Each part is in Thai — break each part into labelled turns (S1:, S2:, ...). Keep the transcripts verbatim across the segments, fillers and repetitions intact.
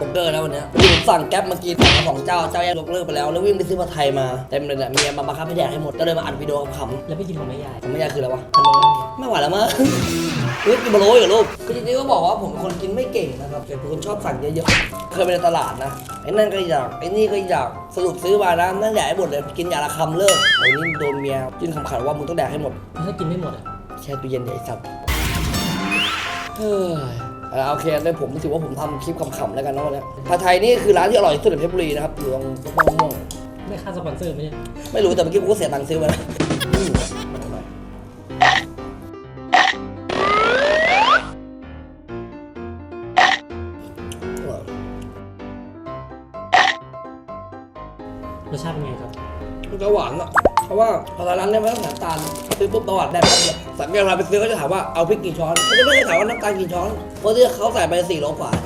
S1: เกอร์นะวันนี้ผมสั่งแก๊ปมากินสั่งมาสองเจ้าเจ้าแยกยกเลิกไปแล้วแล้ววิ่งไปซื้อผัดไทยมาเต็มเลยแหละเมียมาบังคับให้แดกให้หมดก็เลยมาอัดวิดีโอขำ
S2: แล้วไปกินของแม่ยาย
S1: ของแม่ยายคืออะไรวะ
S2: ทำไม
S1: ไม่ไหวแล้วมั้งคือกินบะโรยกับลูกคือจริงๆก็บอกว่าผมเป็นคนกินไม่เก่งนะครับแต่เป็นคนชอบสั่งเยอะๆเคยไปในตลาดนะไอ้นั่นก็อยากไอ้นี่ก็อยากสรุปซื้อมานะนั่นแดกให้หมดเลยกินอย่างละคำเลิกไอ้นี่โดนเมียจิ้นคำขาดว่ามึงต้องแดกให้หมด
S2: ถ้ากินไม่หมดอ่ะ
S1: แช่ตู้เย็นใหญ่สัตว์เฮ้ยเอาโอเคเลยผมถือว่าผมทำคลิปขำๆแล้วกันนะวันนี้ผัดไทยนี่คือร้านที่อร่อยที่สุดในเพชรบุรีนะครับอยู่ตรงป้องม่วง
S2: ไม่ค่าสปอนเซอร์ไหมเนี่ย
S1: ไม่รู้แต่เมื่อกี้กูก็เสียตังค์ซื้อมาแล้ว
S2: รสชาติเป็นไงครับ
S1: มันจะหวานอ่ะเพราะว่าพอร้านเนี่ยไม่ต้องใส่น้ำตาลซื้อปุ๊บประวัติได้ปั๊บเลยสังเกตเวลาไปซื้อเขาจะถามว่าเอาพริกกี่ช้อนเขาจะไม่ได้ถามว่าน้ำตาลกี่ช้อนเพราะที่เขาใส่ไปสี่โลกว่า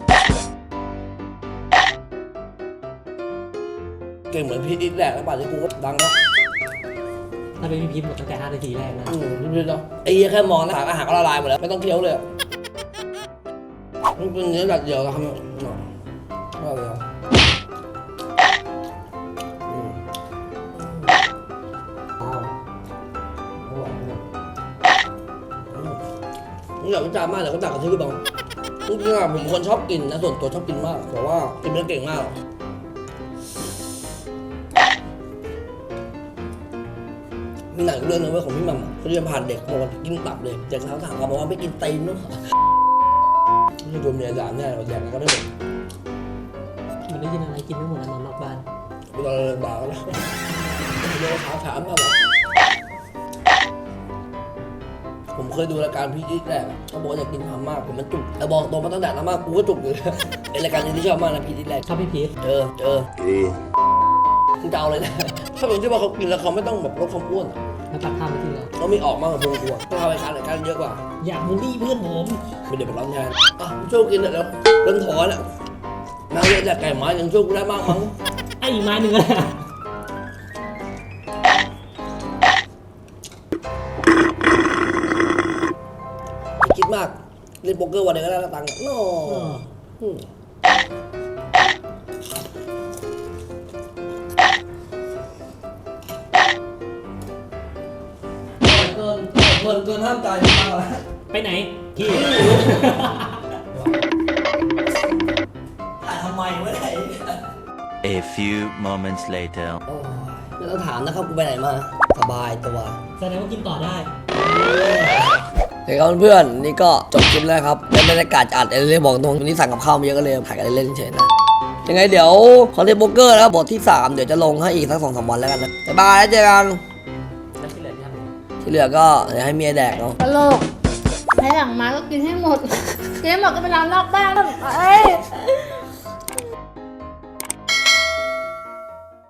S1: เก่งเหมือนพี่ดิ๊กแหละแล้วป่านที่กูก็ดังแล้ว
S2: ถ้าเป็นพี่พิมพ์หมดตั้งแต่ห้านาทีแรกนะ
S1: อืมพี่ดิ๊กเนาะไอ้เหี้ยแค่มองนะอาหารก็ละลายหมดแล้วไม่ต้องเคี้ยวเลยมันเป็นเนื้อดัดเดียวนะครับว่าเลยอยากวิจารณ์มากแต่ก็ต่างกันที่พี่บองจริงๆอะผมคนชอบกินนะส่วนตัวชอบกินมากแต่ว่ากินไม่เก่งมากมีหนังเรื่องนึงเว้ยของพี่มัมเขาเรียนผ่านเด็กบอกว่ากินตับเลยเด็กถามถามเขาบอกว่าไม่กินตีนนู้นนี่โดนเมียด่าแน่เราแดกก็ไม่หมด
S2: มันได้ยินอะไรกินไม่หมดแล้วนอนนอกบ้าน
S1: เวลาเราด่าก็แล้วเดี๋ยวถามถามมาบอกผมเคยดูรายการพี่ดิ๊กแหละเขาบอกว่าอยากกินทำมากผมมันจุกแต่บอกตรงมาตั้งแต่นั้นมากกูก็จุกอยู่ไอรายการนี้ที่ชอบมากนะพี่ดิ๊กแหละ
S2: ชอบพี่พีช
S1: เจอเจอเออมึงจะเอาเลยนะถ้าผมคิดว่าเขากินแล้วเขาไม่ต้องแบบลดความอ้วนอ่ะ
S2: แล้วตัดข้าวไปที่เรา
S1: เขามีออกมากกว่าพวงกลัวถ้าทำรายการรายการเยอะกว่า
S2: อยากบูลลี่เพื่อนผม
S1: ไม่ได้ไปร้องงานอ่ะช่วยกินเถอะแล้วเริ่มถอนอ่ะมาเยอะจากไก่หมายังช่วยกูได้มากมั้ง
S2: ไอ้อีกไม้หนึ่งอะ
S1: คิดมากเล่นโป๊กเกอร์วันเดียวก็ได้ตังค์โน่เกินเกินเกินห้ามใจมากแล้ว
S2: ไปไหนพี่
S1: ถ่ายทำไมวะไหน
S3: A few moments later
S1: โอ้ยไม่ต้องถามนะครับกูไปไหนมาสบายตัว
S2: แสดงว่ากินต่อได้
S1: เฮ้ยครับเพื่อนนี่ก็จบคลิปแล้วครับเป็นบรรยากาศอัดเอเล่บอกตรงวันนี้สั่งกับข้าวมาเยอะก็เลยถ่ายกันเล่นๆเฉยๆนะยังไงเดี๋ยวคอนเทนต์โป๊กเกอร์นะครับบทที่สามเดี๋ยวจะลงให้อีกสักสองสามวันแล้วกันนะบ๊ายบายแล้วเจอกัน
S2: แล้วที่เหลือที่ทำไง
S1: ที่เหลือก็เดี๋ยวให้เมียแดกเนาะ
S4: ตลกให้หลังมาก็กินให้หมด กินให้หมดก็ไปนอนนอกบ้านเอ้ย